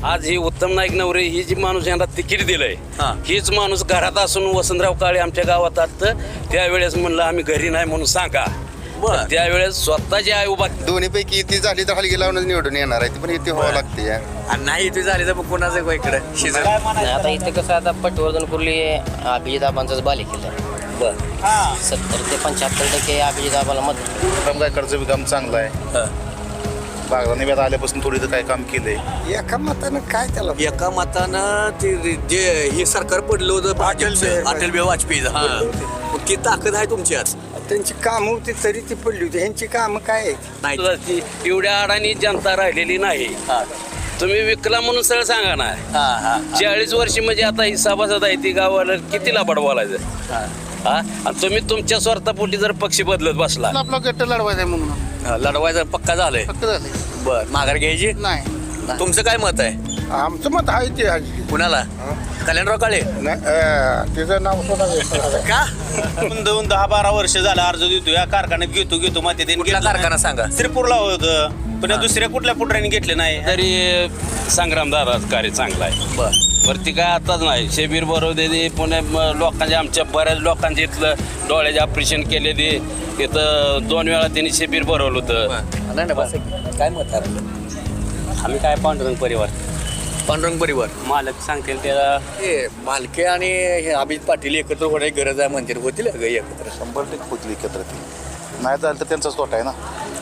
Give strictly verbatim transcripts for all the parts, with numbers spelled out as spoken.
आज ही उत्तम नाईक नवरे ही जी माणूस यांना तिकीट दिलंय हीच माणूस घरात असून वसंतराव काळे आमच्या गावात आलं त्यावेळेस म्हणलं आम्ही घरी नाही म्हणून सांगा. त्यावेळेस स्वतःची आई उभा दोन्ही पैकी ती झाली तर हलगी लावून निवडून येणार आहे ती पण इथे व्हावं लागते. आणि नाही इथे झाली तर मग कोणाचं इकडे शिजत आता इथे कसं आता पटवर्धन कुर्ली अभिजित आबांचाच बाले केलं. बरं सत्तर ते पंच्याहत्तर टक्के अभिजित आबाला मत. गायकडचं बी काम चांगलं आहे. बागदानी आता आल्यापासून थोडी तर काय काम केलंय. एका मतानं काय त्याला एका मतानं ते जे हे सरकार पडलं होतं भाजपचं अटल बिहारी वाजपेयीचं हा मग ती ताकद आहे तुमच्यात. त्यांची कामं होती तरी ती पडली होती ह्यांची कामं काय आहेत नाही एवढ्या अडाणी जनता राहिलेली नाही. तुम्ही विकला म्हणून सरळ सांगा ना. चाळीस वर्षी म्हणजे आता ही सभासद आहे ती गावाला किती लाभाड बोलायचं. हा आणि तुम्ही तुमच्या स्वार्थापोटी जर पक्ष बदलत बसला आपला गट्ट लढवायचा आहे म्हणून लढवायचं पक्का झालंय. फक्त झालंय. बर माघार घ्यायची नाही तुमचं काय मत आहे आमचं मत आहे ते आजी कुणाला कल्याणराव काळे तिचं नाव का दोन दहा बारा वर्ष झालं अर्ज देतो या कारखान्यात घेतो घेतो माती कुठला कारखाना सांगा श्रीपूरला होतं पण या दुसऱ्या कुठल्या पुढऱ्याने घेतले नाही. तरी संग्राम दादाच कार्य चांगला आहे. बर वरती काय आताच नाही शेबीर बरोबर पुणे लोकांच्या आमच्या बऱ्याच लोकांचे इथलं डोळ्याचे ऑपरेशन केले ते इथं दोन वेळा त्यांनी शेबीर भरवलं होतं. नाही ना बस काय मत आहे आम्ही काय पांडुरंग परिवार पांडुरंग परिवार मालक सांगतील त्याला हे मालके आणि हे अभिजित पाटील एकत्र होण्याची गरज आहे म्हणते होतील का एकत्र शंभर टक्के होतील एकत्र ते. नाही झालं तर त्यांचाच तोटा आहे ना.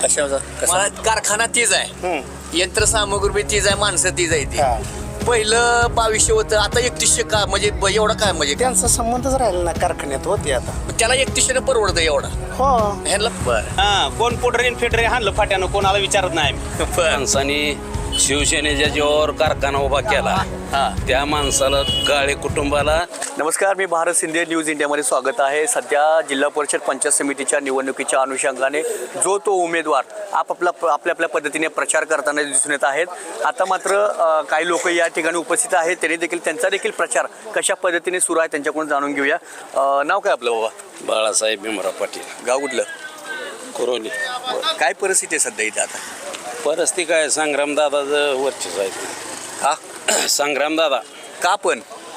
मला कारखाना तीच आहे यंत्रसामुग्री तीच आहे माणसं तीच आहे ती पहिलं बावीसशे होतं आता एकतीसशे का म्हणजे ब- एवढा काय म्हणजे त्यांचा संबंधच राहिला ना कारखान्यात होते आता त्याला एकतीसशे परवडतं एवढा हो ह्याला बरं हा कोण पुढरे फेडरे हाणलं फाट्यानं कोणाला विचारत नाही. माणसाने शिवसेनेच्या जीवावर कारखाना उभा केला त्या माणसाला काळे कुटुंबाला. नमस्कार मी भारत शिंदे न्यूज इंडियामध्ये स्वागत आहे. सध्या जिल्हा परिषद पंचायत समितीच्या निवडणुकीच्या अनुषंगाने जो तो उमेदवार आपापला आपल्या आपल्या पद्धतीने प्रचार करताना दिसून येत आहेत. आता मात्र अ, काही लोक या ठिकाणी उपस्थित आहेत त्यांनी देखील त्यांचा देखील प्रचार कशा पद्धतीने सुरू आहे त्यांच्याकडून जाणून घेऊया. अ, नाव काय आपलं बाबा बाळासाहेब भीमराव पाटील गाव कुठलं कुरोली. काय परिस्थिती आहे सध्या इथे आता परिस्थिती काय संग्रामदादाचं वर्चस्व आहे. हा संग्राम दादा का पण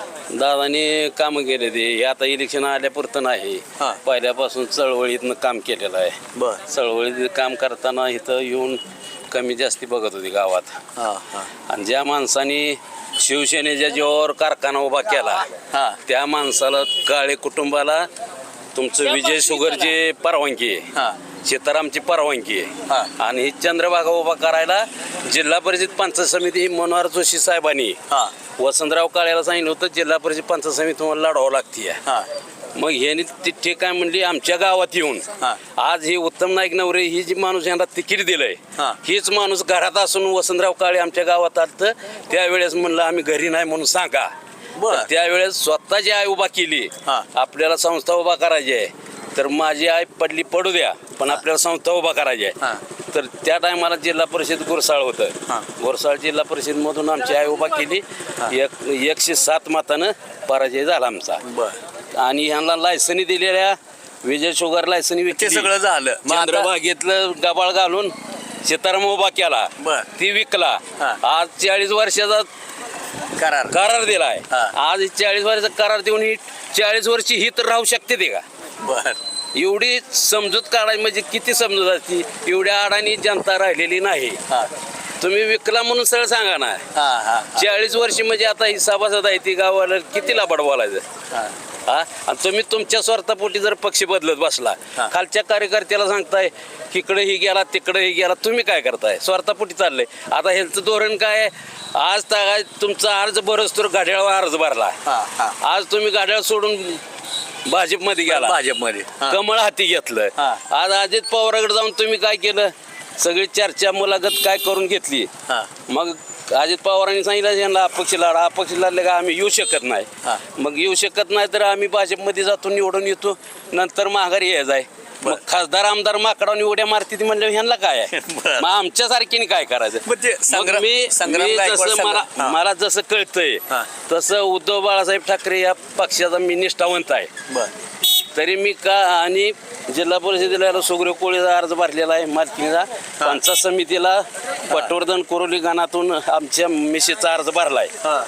दादाने कामं केले ते हे आता इलेक्शन आल्यापुरतं नाही हा. पहिल्यापासून चळवळीतनं काम केलेलं आहे. बर चळवळीत काम करताना इथं येऊन कमी जास्ती बघत होती गावात. हां हां आणि ज्या माणसाने शिवसेनेच्या जीवावर कारखाना उभा केला हां त्या माणसाला काळे कुटुंबाला तुमचं विजय शुगरची परवानगी आहे हां सीतारामची परवानगी हा. आहे आणि ही चंद्रभागा उभा करायला जिल्हा परिषद पंचायत समिती ही मनोहर जोशी साहेबांनी हां वसंतराव काळ्याला सांगितलं होतं जिल्हा परिषद पंचायत समिती तुम्हाला लढवावं लागते. हां मग ह्यानी ती ठीक आहे म्हणली आमच्या गावात येऊन हा. आज ही उत्तम नाईक नवरे ही जी माणूस यांना तिकीट दिलंय हा. हीच माणूस घरात असून वसंतराव काळे आमच्या गावात आलं त्यावेळेस म्हणलं आम्ही घरी नाही म्हणून सांगा. बरं. त्यावेळेस स्वतःची आई उभा केली. हा. आपल्याला संस्था उभा करायची आहे तर माझी आई पडली पडू द्या पण आपल्याला संस्था उभा करायची हा. आहे. तर त्या टायमाला जिल्हा परिषद गुरसाळ हा. होतं गुरसाळ जिल्हा परिषद मधून आमची आई उभा केली. एक एकशे सात मतानं पराजय झाला आमचा. बर आणि ह्यांना लायसनी दिलेल्या विजय शुगर लायसनी ते विकली. सगळं झालं मग आता- चंद्रभागेतलं गबाळ घालून सीताराम उभा केला बर. ती विकला. हा. आज चाळीस वर्षाचा करार करार दिलाय. हा. आज चाळीस वर्षाचा करार देऊन ही चाळीस वर्षी ही तर राहू शकते ते का. बर एवढी समजूत काढायची म्हणजे किती समजूत असती. एवढ्या अडाणी जनता राहिलेली नाही. हां तुम्ही विकला म्हणून सरळ सांगा ना. हां हां चाळीस वर्षी म्हणजे आता ही सभासद आहे ती गावाला किती लाभाड बोलायचं. हां हा आणि तुम्ही तुमच्या स्वार्थापोटी जर पक्ष बदलत बसला हा. खालच्या कार्यकर्त्याला सांगताय इकडेही गेला तिकडेही गेला तुम्ही काय करताय स्वार्थापोटी चाललंय. आता ह्यांचं धोरण काय आहे? आज तर तुमचा अर्ज बरंच तर घड्याळावर अर्ज भरला. हां हां आज तुम्ही घड्याळ सोडून भाजपमध्ये गेला भाजपमध्ये हां. कमळ हाती घेतलं. हा. आज अजित पवाराकडे जाऊन तुम्ही काय केलं सगळी चर्चा मुलाखत काय करून घेतली. हां मग अजित पवारांनी सांगितलं यांना अपक्ष लढा अपक्ष लढले का आम्ही येऊ शकत नाही. हा. मग येऊ शकत नाही तर आम्ही भाजपमध्ये जातो निवडून येतो नंतर माघारी यायचं आहे. मग खासदार आमदार माकडावून उड्या मारते म्हणलं ह्यांना काय आहे. बरं. मग आमच्या सारखीने काय करायचं. मग ते मग संग्राम- मी संग्राम मी गायकवाड जसं मला संग्राम- हा. मला जसं कळतंय हा. तसं उद्धव बाळासाहेब ठाकरे या पक्षाचा मी निष्ठावंत आहे. बर तरी मी का आणि जिल्हा परिषदेला सुग्रीव कोळीचा अर्ज भरलेला आहे मालकीचा पंचायत समितीला पटवर्धन कोरोली गणातून आमच्या मिसेसचा अर्ज भरला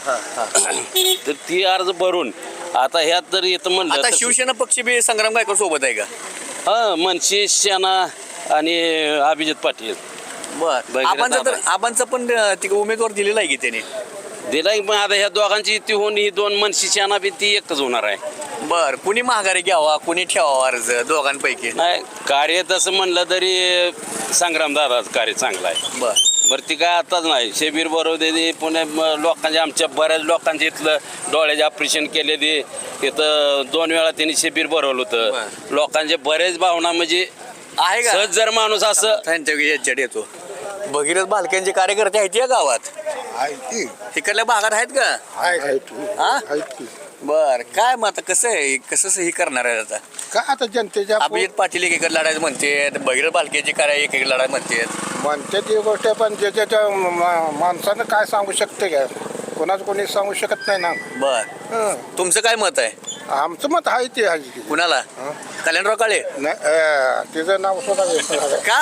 आहे तर ती अर्ज भरून आता ह्यात जर येतं म्हणलं आता तर- शिवसेना पक्ष बी संग्राम गायकवाड सोबत आहे का? हा मनशी सेना आणि अभिजित पाटील बर बघितलं आबांचा तर दादा. आबांचा पण अं, तिकडे उमेदवार दिलेला आहे की त्याने. दिला की पण आता ह्या दोघांची युती होऊन ही दोन मनशी सेना बी ती एकच होणार आहे. बर कुणी माघारी घ्यावा कुणी ठेवावा अर्ज दोघांपैकी? नाही कार्य तसं म्हणलं तरी संग्राम दादाचं कार्य चांगलं आहे. बर बरं ती काय आताच नाही शेबीर बरोबर पुणे म- लोकांच्या आमच्या बऱ्याच लोकांच्या इथलं डोळ्याचे ऑपरेशन केले ते इथं दोन वेळा त्यांनी शेबीर भरवलं होतं लोकांचे बरेच भावना म्हणजे आहे का? सहज जर माणूस असं त्यांच्या याच्यात येतो भगीरथ भालक्यांचे कार्यकर्ते आहेत या गावात इकडल्या भागात आहेत का? हा बर काय मग आता कसं आहे कसं हे करणार आहे आता? का आता जनतेच्या अभिजित पाटील एकीकडे लढायचं म्हणते भगीरथ भालकेचे काय एकीकडे लढाय म्हणते. म्हणते ती गोष्ट आहे, पण ज्याच्या मा- माणसानं काय सांगू शकते का? कोणाच कोणी सांगू शकत नाही ना. बर हं. तुमचं काय मत आहे? आमचं मत आहे ते आहे की. कुणाला? कल्याणराव काळे नाही, अं, तिचं नाव सुद्धा घेतलं नाही. का?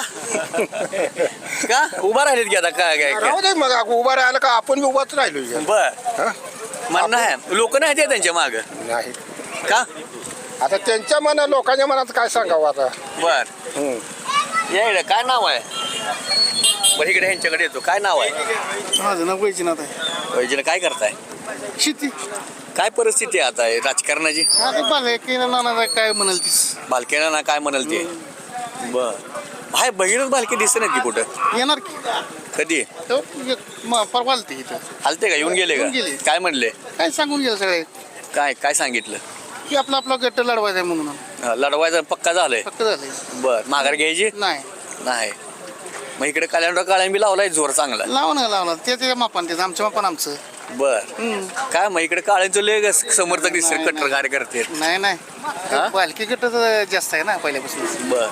का उभा राहिलेत की आता काय काय राहू दे मग आपण उभा राहिलं का आपण बी उभाच राहिलो इथे. बर हं? म्हणणं आहे लोक नाही ते त्यांच्या माग नाही का? आता त्यांच्या मना लोकांच्या मनात काय सांगावं आता. बर हं. या इकडे काय नाव आहे? बरं इकडे ह्यांच्याकडे येतो काय नाव आहे? माझं नाव वैजनाथ आहे. वैजन काय करताय? शेती काय परिस्थिती आहे आता हे राजकारणाची? आता बाले नाना काय म्हणाल तीस बालकेना ना काय म्हणाल ते? बर हाय भगीरथ बालके दिसत नाही की कुठं? येणार की कधी तो एक म- परवा आलते इथं. आलते का येऊन गेले येऊन का गेले. काय म्हणले? काय सांगून गेलं सगळे काय काय सांगितलं? की आपला आपला गट्ट लढवायचा आहे म्हणून हा, लढवायचं पक्का झालंय. फक्त झाले बर माघार घ्यायची नाही नाही मग इकडे कल्याणराव काळे बी लावलाय जोर चांगला. लावा ना लावला ते ते मापान त्याचं आमच्या मापान आमचं. बर हम्म. काय मग इकडे काळ्यांचं लय समर्थक दिसत नाही, कट्टर नाही. कार्यकर्ते. नाही नाही हा? बालकी गट जास्त आहे ना पहिल्यापासून. बर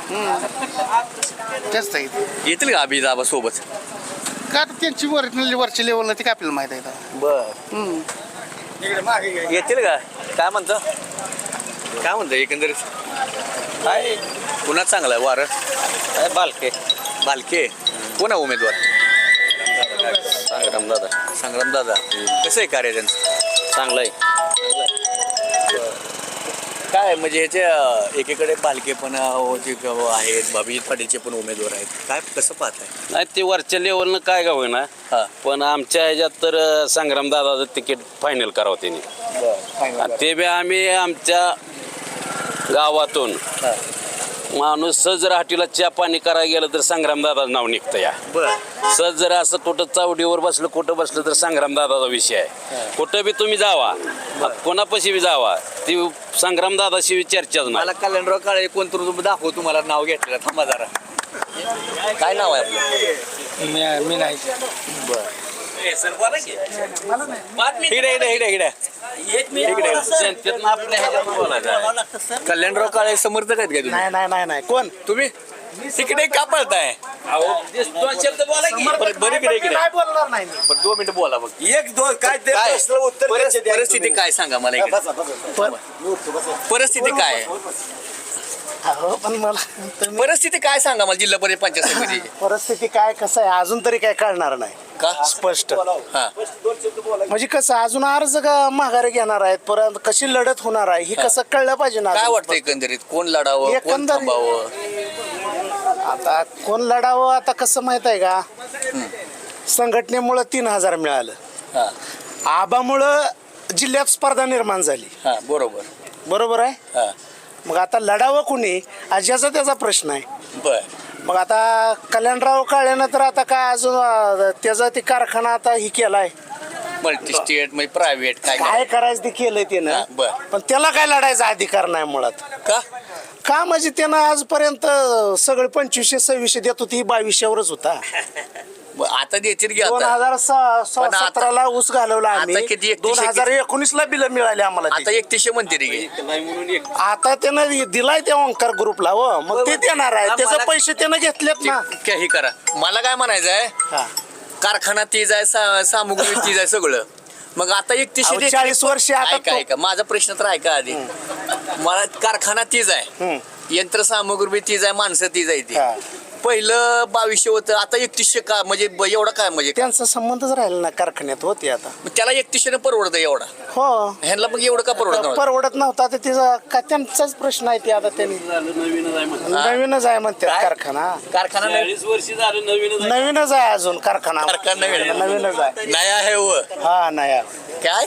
जास्त आहे इथे. येतील का अभिजाबा सोबत? का आता त्यांची वर वरची लेवलला ती काय आपल्याला माहित आहे आता. बर हम्म. येतील का काय म्हणतं काय म्हणतं एकंदरीत काय पुन्हा चांगला आहे वारं? बालके बालके कोण आहे उमेदवार? संग्राम दादा संग्राम दादा कसं आहे कार्य त्यांचं? चांगलं आहे. काय म्हणजे ह्याचे अं, एकीकडे बालके पण अं, जे ग- आहेत अभिजित पाटीलचे पण उमेदवार आहेत काय कसं पाहताय? नाही ते वरच्या लेवलनं काय का होईना हा. पण आमच्या ह्याच्यात तर संग्राम दादाचं तिकीट फायनल करावं त्यांनी आणि ते बी आम्ही आमच्या गावातून माणूस सहज जर हाटीला चहा पाणी करायला गेलं तर संग्राम दादाचं नाव निघतं या. बर सहज जर असं कुठं चावडीवर बसलं कुठं बसलं तर संग्राम दादाचा विषय आहे. कुठं बी तुम्ही जावा कोणापाशी बी जावा ती संग्राम दादाशी चर्चाच नाही. मला कल्याणराव काळे कोणतं तुम्ही दाखव तुम्हाला नाव घेतलेलं थांबा जरा काय नाव आहे आपलं? मी नाही इकडे इकडे इकडे इकडे इकडे जनतेतनं आपल्या ह्याच्यात बोलायचं आहे. कल्याणराव काळे समर्थक आहेत का तुम्ही? नाही नाही नाही नाही कोण तुम्ही तिकडे का पळताय? अहो, ते दोन शब्द बोला की. बरं बरं इकडे इकडे काय बोलणार नाही मी. बरं दोन मिनिटं बोला बघ. एक दोन काय ते काय प्रश्न उत्तर परिस- द्यायचे द्या परिस्थिती तुम्ही. काय सांगा मला इकडे. परिस्थिती काय आहे? अहो, पण मला तुम्ही- परिस्थिती काय सांगा मला जिल्हा परिषद पंचायत समितीची? परिस्थिती काय कसं आहे अजून तरी काय कळणार नाही का स्पष्ट. हा म्हणजे कसं अजून अर्ज का माघारी घेणार आहेत परत कशी लढत होणार आहे ही कसं कळलं पाहिजे ना काय अजून. वाटतं एकंदरीत कोण लढावं कोण एकंदरीत- थांबावं? आता कोण लढावं आता कसं माहित आहे का संघटनेमुळं तीन हजार मिळालं हा आबामुळं जिल्ह्यात स्पर्धा निर्माण झाली हा बरोबर बरोबर आहे. हा मग आता लढावं कुणी आज याचा त्याचा प्रश्न आहे. बर मग आता कल्याणराव काळेनं तर आता काय अजून अं, त्याचा ते कारखाना आता ही केलाय मल्टी स्टेट म्हणजे प्रायव्हेट काय काय काय करायचं ते केलंय हा, त्यानं बर. पण त्याला काय लढायचा अधिकार नाही मुळात. का का म्हणजे त्यानं आजपर्यंत सगळे पंचवीसशे सव्वीसशे देत होती बावीसशेवरच होता. ब- आता देतील की दोन आता हजार पण आता- सतराला ऊस घालवला आता आम्ही किती एकतीसशे दोन हजार एकोणीस ला बिल मिळाले आम्हाला आता ते. एकतीसशे म्हणते रे की. नाही म्हणून एक आता त्यानं दिलाय त्या ओंकार ग्रुपला हो मग ते देणार आहे हा, त्याचे मला- पैसे त्यानं घेतलेत ना. ते- हे करा मला काय म्हणायचं आहे हा. कारखाना तीज आहे सा- सामुग्री तीज आहे सगळं मग आता एकतीसशे अहो, चाळीस वर्षे आता ऐका तो- ऐका माझा प्रश्न तर ऐका आधी मला कारखाना तीच आहे हम्म. यंत्रसामुग्री बी तीच आहे माणसं तीच आहे ती हा. पहिलं बावीसशे होतं आता एकतीसशे का म्हणजे ब- एवढा काय म्हणजे त्यांचा संबंधच राहिला ना कारखान्यात होते आता मग त्याला एकतीसशे परवडतं एवढा हो ह्यांना मग एवढं का परवडत परवडत नव्हता तर तिचा का त्यांचाच प्रश्न आहे ते आता त्यांनी नवीनच आहे म्हणतात काय? कारखाना कारखाना नाही चाळीस वर्ष झालं नवीन नवीनच आहे अजून कारखाना कारखाना नवीन आहे. नवीनच आहे नाही आहे व हा नाही आहे. काय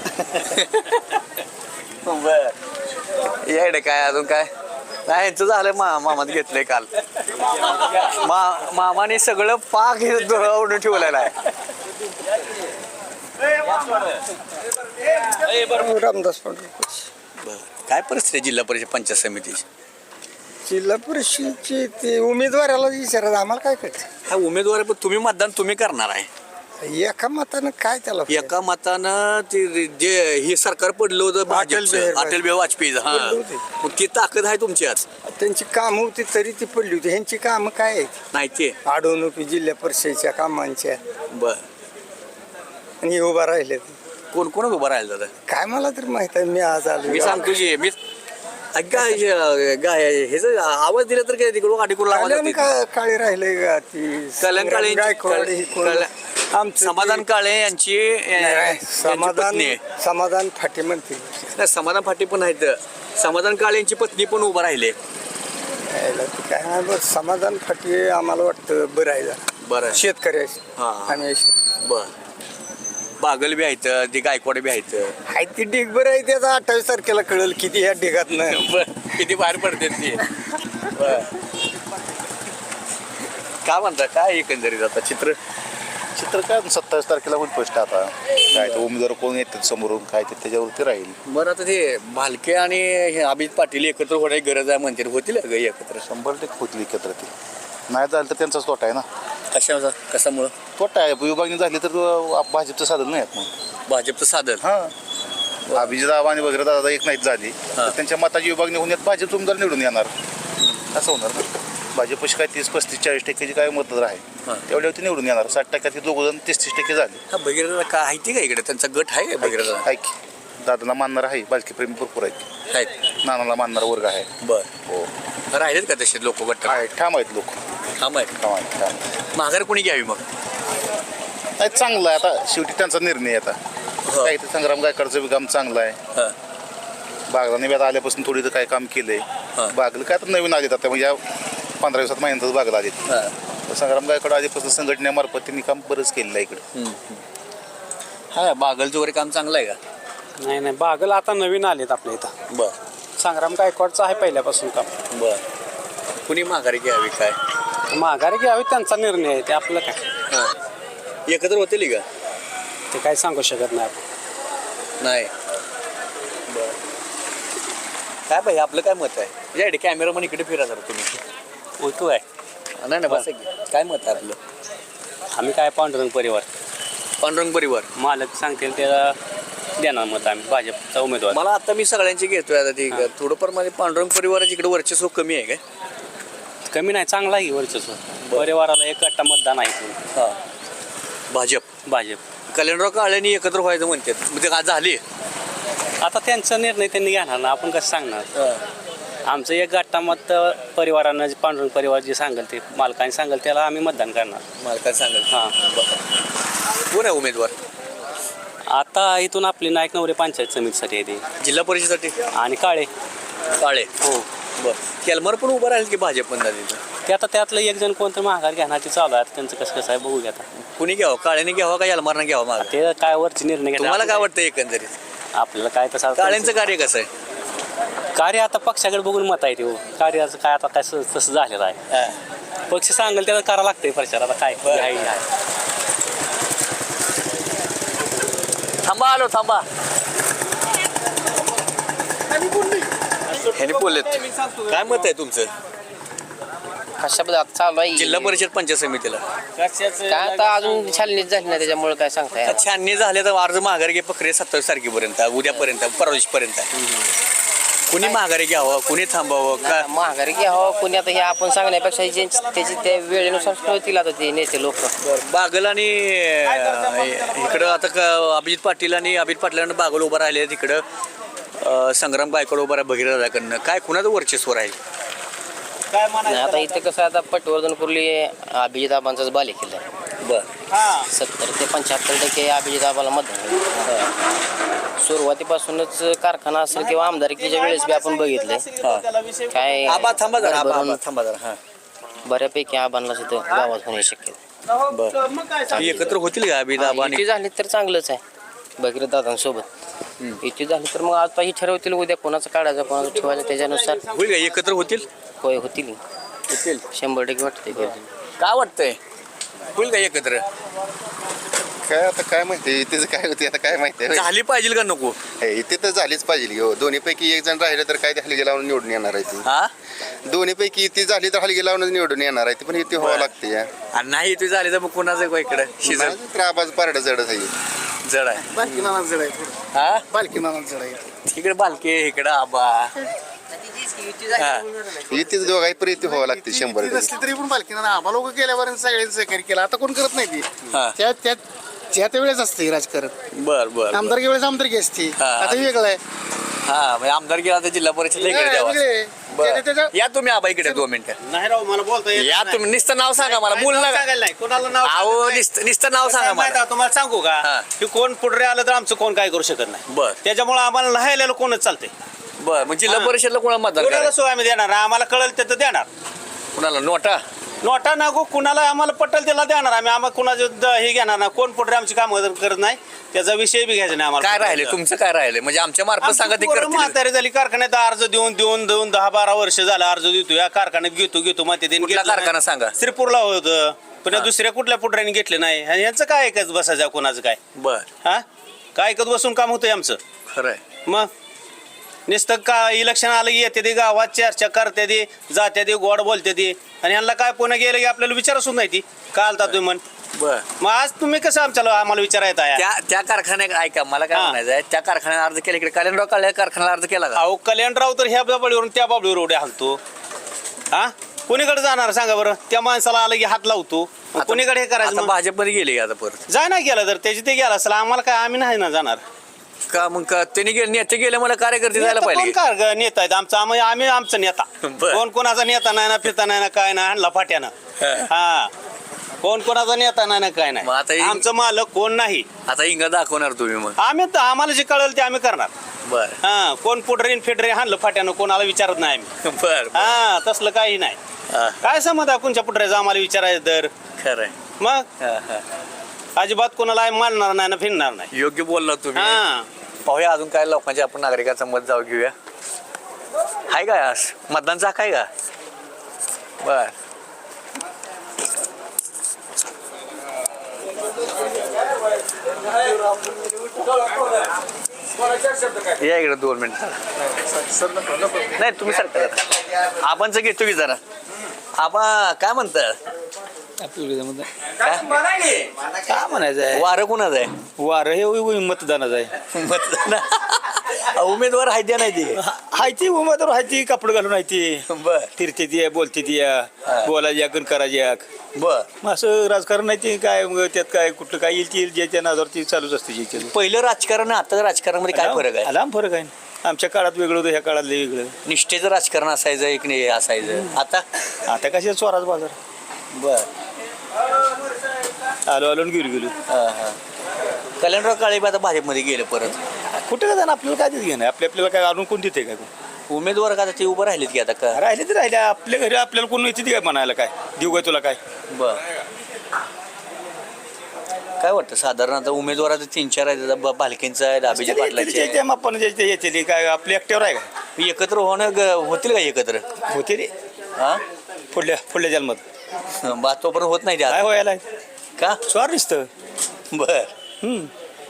बर येडे काय अजून काय नाही यांचं झालं मा मामात घेतलंय काल मा मामाने सगळं पाक हे दुरावून ठेवलेलं आहे रामदास पाटील बरं. काय परिस्थिती आहे जिल्हा परिषद पंचायत समितीची जिल्हा परिषदची ते उमेदवाराला विचारायचं आम्हाला काय कळतं हा उमेदवार आहे, पण तुम्ही मतदान तुम्ही करणार आहे एका मतानं काय त्याला फायदा? एका मतानं ते जे हे सरकार पडलं होतं भाजपचं, बिहारी अटल बिहारी वाजपेयीचं हा पडलं होते. मग ती ताकद आहे तुमची आज त्यांची कामं होती तरी ती पडली होती ह्यांची कामं काय आहेत नाही ते अडवणुकी जिल्हा परिषदेच्या कामांच्या बर आणि हे उभा राहिले कोण कोण उभं राहिलं दादा काय मला तर माहित आहे मी आज आलो मी सांगतो की मी गाय गाय हेच आवाज दिला तर काय तिकडून आडीकडून आवाज कल्याण येते. का काळे राहिले का ती कल्याण काळे गायकवाड ही कोण? कल्याण- आमचं समाधान ते- काळे यांची नाही, यांची समाधान पत्नी आहे. समाधान फाटे म्हणते नाही, समाधान फाटे पण आहेत समाधान काळे यांची पत्नी पण उभं राहिले यायला ते काय नाही, बस समाधान फाटे आम्हाला वाटतं बरं आहे जरा. बरं शेतकऱ्याची हा. आम्ही शेत- बर बागल बी आहेत ते गायकवाड बी आहेत हाय ती ढीग बरं आहे त्याचा अठ्ठावीस तारखेला कळेल किती ह्या ढिगात नाही बर किती बाहेर पडते ते बर काय म्हणता काय एकंदरीत आता चित्र चित्र काय सत्तावीस तारखेला होईल स्पष्ट आता काय ते उमेदवार कोण येतात समोरून काय ते त्याच्यावरती राहील बरं आता ते भालके आणि हे अभिजित पाटील एकत्र होण्याची गरज आहे म्हणते होतील का एकत्र शंभर टक्के होतील एकत्र ते नाही झालं तर त्यांचाच तोटा आहे ना कशा कशामुळं तोटा आहे विभागणी झाली तर अं, भाजपचं साधन नाही आहेत मग भाजपचं साधन हां अभिजित आबा आणि वगैरे दादा एक नाहीत झाली तर त्यांच्या मताची विभागणी होण्यात भाजप उमेदवार निवडून येणार असं होणार ना भाजपशी काय तीस पस्तीस चाळीस टक्क्याची काय मतदार आहे तेवढ्यावरती निवडून येणार साठ टक्क्यात दोघं जण तीस तीस टक्के झाले हा भगीरथला काय आहे ती का इकडे त्यांचा गट आहे का भगीरथला आहे की दादाला मानणार आहे बालकी प्रेमी भरपूर आहेत आहेत नानाला मानणारा वर्ग आहे बर हो राहिलेत का तसे लोक गट आहे ठाम आहेत लोक थांब आहेत ठाम आहेत ठाम आहेत. माघार कोणी घ्यावी मग नाही चांगलं आहे आता शेवटी त्यांचा निर्णय आहे आता हो. काय ते संग्राम गायकवाडचं बी काम चांगलं आहे हा. बागला निव्यात आल्यापासून थोडी तर काय काम केलंय हा. बागला काय तर नवीन आलेत आता म्हणजे या पंधरा दिवसात महिन्यातच बागला आलेत हा. तर संग्राम गायकवाड आधीपासून संघटनेमार्फत त्यांनी काम बरंच केलेलं आहे इकडं हम्म, हम्म. हा बागलचं वगैरे काम चांगलं आहे का नाही नाही बागल आता नवीन आलेत आपल्या इथं बर संग्राम गायकवाडचं आहे पहिल्यापासून काम बर कुणी माघारी घ्यावी काय माघारी घ्यावी त्यांचा निर्णय आहे ते आपलं काय हा एकत्र होतील का ते काय सांगू शकत नाही आपण नाही बर काय पाहिजे आपलं काय मत आहे या कॅमेरा मन इकडे फिरा जरा तुम्ही ओळखू आहे नाही ना बस काय मत आहे आपलं आम्ही काय पांडुरंग परिवार पांडुरंग परिवार मालक सांगतील त्याला देणार मत आम्ही भाजपचा उमेदवार मला आता मी सगळ्यांची घेतोय आता ती थोडंफार माझे पांडुरंग परिवाराची इकडे वर्चस्व कमी आहे काय कमी नाही चांगला आहे वर्चस्व परिवाराला एक गट्टा मतदान आहे इथून. हा भाजप भाजप कल्याणराव काळेंनी एकत्र व्हायचं म्हणतात म्हणजे का झाले आता त्यांचा निर्णय त्यांनी घेणार ना आपण कसं सांगणार आमचं एक गट्टा मत परिवारानं जे पांडुरंग परिवार जे सांगेल ते मालकाने सांगेल त्याला आम्ही मतदान करणार मला काय सांगाल हां कोण आहे उमेदवार आता इथून आपली नायक नवरे पंचायत समितीसाठी आहे ते जिल्हा परिषदेसाठी आणि काळे काळे हो बर केलमार पण उभं राहील की भाजप पण तिथं ते आता त्यातलं एक जण कोणतं माघार घेणार ते चालू आहे आता त्यांचं कसं कसं आहे बघू घ्या आता कुणी घ्यावं काळेने घ्यावं का यलमारनं घ्यावं माग ते काय वरचे निर्णय घेतात तुम्हाला काय वाटतं एकंदरीत आपल्याला काय तसं काळेंचं कार्य कसं आहे कार्य आता पक्षाकडे बघून मत आहे ते हो. कार्याचं काय आता काय स- तसं झालेलं आहे पक्ष सांगेल त्याला करावं लागतंय प्रचार आता काय बरं. आहे आहे. थांबा आलो थांबा ह्याने बोललेत काय मत आहे तुमचं कशाबद्दल आता चालू आहे जिल्हा परिषद पंचायत समितीला काय आता अजून छाननीच झाली नाही त्याच्यामुळे काय सांगता येणार. छाननी झाले तर अर्ज माघारी घे प्रक्रिया सत्तावीस तारखेपर्यंत उद्यापर्यंत परवापर्यंत कुणी माघारी घ्यावं कुणी थांबावं का नाही, माघारी घ्यावं कोणी आता हे आपण सांगण्यापेक्षा जे त्याची त्या वेळेनुसार कळतील आता ते नेते लोक बागल आणि अं, इकडं आता क- अभिजित पाटील आणि अभिजित पाटलांना बागल उभं राहिले तिकडं अ, संग्राम गायकवाड उभा आहे भगीरथाकडनं, काय कुणाचं वर्चस्व राहील? काय नाही म्हणायचं आता इथे कसं आहे, आता पटवर्धन कुर्ली अभिजित आबांचाच बाले किल्ला आहे. बर सत्तर ते पंच्याहत्तर टक्के अभिजित आबाला मतदान आहे. सुरुवातीपासूनच कारखाना असेल किंवा आमदारकीच्या वेळेस बी आपण बघितले काय आबा थांबा जरा आबा भरभरून आबा थांबा जरा हां बऱ्यापैकी आबांना तिथं गावात होण्याची शक्यता बर एकत्र होतील का अभिदा आबा आणि इथे झाली तर चांगलंच आहे भगीरथ दादांसोबत. इथे झाली तर मग आता ही ठरवतील उद्या कोणाचं काढायचं कोणाचं ठेवायचं त्याच्यानुसार होईल का एकत्र होतील? होय होतील होतील शंभर टक्के वाटते. काय वाटतंय होईल का एकत्र? काय आता काय माहिती इथेच काय होते आता काय माहिती आहे. झाली पाहिजे का नको? हे, इथे तर झालीच पाहिजे हो. दोन्हीपैकी एक जण राहिलं तर काय ते हलगी लावून निवडून येणार आहे ती. हा दोन्हीपैकी ती झाली तर हलगी लावूनच निवडून येणार आहे ती, पण इथे व्हावं लागते या. आणि नाही ते झाले तर मग कुणाचं इकडे शिजल तर आबाज पारडं जडच आहे. जड आहे बालकी नाना जड आहे थोडं. हा बालकी नाना जड आहे. तिकडे बालके इकडे आबा हा. इथेच दोघाही पण इथे व्हावं लागते शंभर ती टक्के. नसली तरी पण बालकी नाना आबा लोक गेल्यावर सगळ्यांनी सहकार्य केलं. आता कोण करत नाही ती. हा. त्या त्या ज्या त्या वेळेस असते राजकारण. बर बर आमदारकी वेळेस आमदारकी असते. हा. आता वेगळं आहे. हा म्हणजे आमदार गेला तर जिल्हा परिषद इकडे द्यावा. वेगळे. बरं. त्याच्या- त्याच्या- या तुम्ही आबा इकडे दोन मिनिटं नाही राव मला बोलता येत या नाही. तुम्ही नुसतं नाव सांगा मला बोल नाव ना सांगायला नाही कोणाला नाव अहो सांगायचं नाही. नुसतं नुसतं नाव सांगा कसं माहिती मला आहे, तुम्हाला सांगू का हा. की कोण पुढे आलं तर आमचं कोण काय करू शकत नाही. बर त्याच्यामुळे आम्हाला लिहायला कोणच चालतंय. बर मग जिल्हा हा. परिषदला कोणाला मतदान कोणाला करायचं? सोय आम्ही देणार आम्हाला कळलं ते तर देणार. कुणाला नोटा? नोटा नागो कुणाला आम्हाला पटेल त्याला देणार आम्ही. आम्हाला कुणाचं द- हे घेणार ना. कोण पुढे आमची कामं करत नाही त्याचा विषय बी घ्यायचा नाही आम्हाला. काय राहिले तुमचं काय राहिले म्हणजे आमच्या मार्फत सांगा ते आमची पोरं करतील. म्हातारी झाली कारखान्यात अर्ज देऊन देऊन देऊन दहा बारा वर्ष झालं अर्ज देतो या कारखान्यात घेतो घेतो मग ते कुठला कारखाना सांगा? श्रीपूरला होतं पण या हा. दुसऱ्या कुठल्या पुढऱ्याने घेतले नाही आणि यांचं काय ऐकत बसायचं कोणाचं काय बर हा काय ऐकत बसून काम होतंय आमचं. खरंय मग नुसतं का इलेक्शन आलं की येते ते गावात चर्चा करते ते जाते ते गोड बोलते ते आणि यांना काय पुन्हा गेलं की आपल्याला विचारसून नाही ती का आलता तुम्ही म्हण. बर मग आज तुम्ही कसं आमच्याला आम्हाला विचारायचं आहे. त्या त्या कारखान्यात ऐका मला काय हा. म्हणायचं आहे त्या कारखान्यात अर्ज केला इकडे कल्याणराव काळे कारखान्याला अर्ज केला का? अहो कल्याणराव तर ह्या बाबळीवरून त्या बाबळीवर उड्या हाणतो. हा कोणीकडे जाणार सांगा बरं. त्या माणसाला आलं की हात लावतो मग कोणीकडे हे करायचं आता मग? भाजपमध्ये गेले आता परत जा नाही गेला तर त्याची ते गेला असेल आम्हाला काय आम्ही नाही ना जाणार. का मग का त्यांनी गेले नेते गेले मला कार्यकर्ते जायला नेता कोण पाहिजे. काय ग- नेता आहेत आमचा आम्ही आम्ही आमचा नेता. बरं. कोण कोणाचा नेता नाही ना फिरता नाही ना काय नाही आणला फाट्यानं. हा कोण कोणाचा नेता नाही ना काय मग आता नाही हे- आमचं मालक कोण नाही. आता इंगा दाखवणार तुम्ही मग. आम्ही तर आम्हाला जे कळलं ते आम्ही करणार. बर हा कोण पुढरे फिडरे हाणलं फाट्यानं कोणाला विचारत नाही आम्ही. बर हा तसलं काही नाही. हा, काय समज आहे कोणच्या पुढऱ्याचं आम्हाला विचारायचं तर खरंय मग हा, हा. अजिबात कोणाला मानणार नाही ना फिरणार नाही. योग्य बोलला तुम्ही. हा पाहूया अजून काय लोकांचे आपण नागरिकाचं मत जाऊ घेऊया. आहे का आज मतदानचा काय का? बर या इकडे दोन मिनिट नाही तुम्ही सरकार आपणच घेतो की जरा आबा काय म्हणतात काय म्हणायचं आहे वारं कुणाचं आहे? वारं हे मतदानाचं आहे. मतदान उमेदवार आहे द्या नाही ते हाय ती उमेदवार हाय ती कपडे घालून आहे ती बर फिरते ती बोलते ती बोलायची या करायची या बर मग असं राजकारण नाही ते काय मग त्यात काय कुठलं काय येईल ते येईल ज्याच्या नादावर ती चालूच असते ज्याच्या पहिलं राजकारण आता राजकारणामध्ये काय फरक आहे? लांब फरक आहे आमच्या काळात वेगळं होतं ह्या काळात वेगळं. निष्ठेचं राजकारण असायचं एक नाही असायचं आता आता कशा स्वराज बाजार बर आलो आलो आणि गेलो गेलो कल्याणराव काळे बी आता भाजपमध्ये गेले परत. कुठे का जाणं आपल्याला काय देत घेणं आपल्या आपल्याला काय आणून कोण देते काय उमेदवार का आता ते उभं राहिलेत की आता का? राहिले तर राहिले आपल्या घरी आपल्याला कोण येते काय म्हणायला काय देऊ काय तुला काय बर काय वाटतं साधारण आता उमेदवार आता तीन चार आहेत आता ब- भालकेंचा आहे अभिजित पाटलाचे आहे. आपण जे येते ते काय आपल्या एकट्यावर आहे का एकत्र होणं ग- होतील का एकत्र होते रे हा पुढल्या पुढल्या जन्मात बा तोपर्यंत होत नाही ते काय आता. व्हायला का स्वार दिसतं बर हम्म.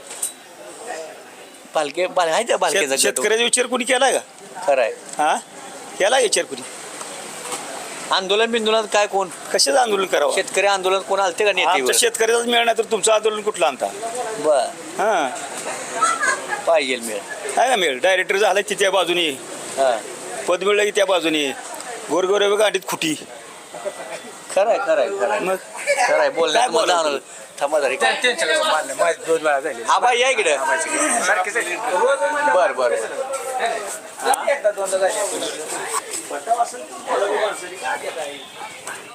भालके भाल आहे त्या भालकेचा शेत- शेतकऱ्याचा विचार कोणी केलाय का खरं आहे. हा केलाय विचार कोणी आंदोलन बिंदोलन काय कोण कशाचं आंदोलन करावं शेतकरी आंदोलन कोण आलते का आमच्या नेते शेतकऱ्याचाच मिळ नाही तर तुमचं आंदोलन कुठलं आणता बर हा पाहिजे मिळ आहे का मिळ डायरेक्टर झाला की त्या बाजूने हा पद मिळलं की त्या बाजूने गोरगोरे गाडीत खुटी खरं आहे खरं आहे खरं आहे मग खरं आहे बोलण्यात काय बोलावं? मजा आलं. थांबा जरा इकडे. आबा या इकडे बर बर बर एकदा दोनदा झाले.